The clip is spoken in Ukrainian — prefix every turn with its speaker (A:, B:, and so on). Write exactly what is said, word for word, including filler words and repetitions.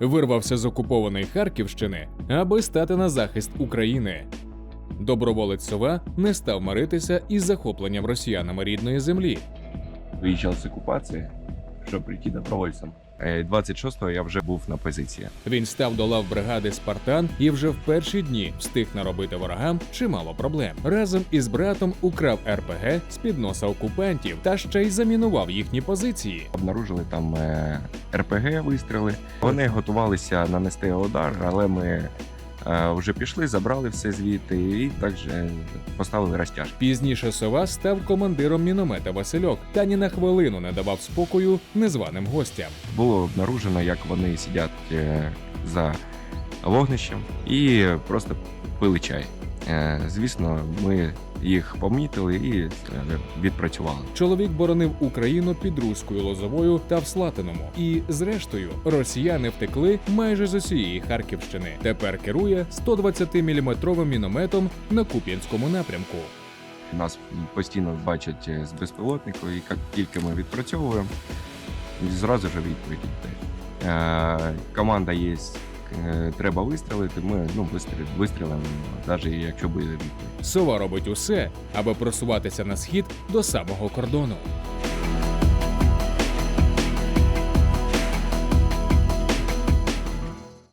A: вирвався з окупованої Харківщини, аби стати на захист України. Доброволець Сова не став миритися із захопленням росіянами рідної землі.
B: Виїжджав з окупації, щоб прийти добровольцем. двадцять шостого я вже був на позиції.
A: Він став до лав бригади «Спартан» і вже в перші дні встиг наробити ворогам чимало проблем. Разом із братом украв ер пе ге з-під носа окупантів та ще й замінував їхні позиції.
B: Обнаружили там ер пе ге вистріли. Вони готувалися нанести удар, але ми вже пішли, забрали все звідти і також поставили розтяжки.
A: Пізніше Сова став командиром міномета «Васильок» та ні на хвилину не давав спокою незваним гостям.
B: Було обнаружено, як вони сидять за вогнищем і просто пили чай. Звісно, ми їх помітили і відпрацювали.
A: Чоловік боронив Україну під Руською Лозовою та в Слатиному. І, зрештою, росіяни втекли майже з усієї Харківщини. Тепер керує сто двадцятиміліметровим мінометом на Куп'янському напрямку.
B: Нас постійно бачать з безпілотнику, і як тільки ми відпрацьовуємо, зразу ж відповідь йде. Команда є. Треба вистрілити, ми ну, вистрілимо, навіть якщо буде відповідь.
A: Сова робить усе, аби просуватися на схід до самого кордону.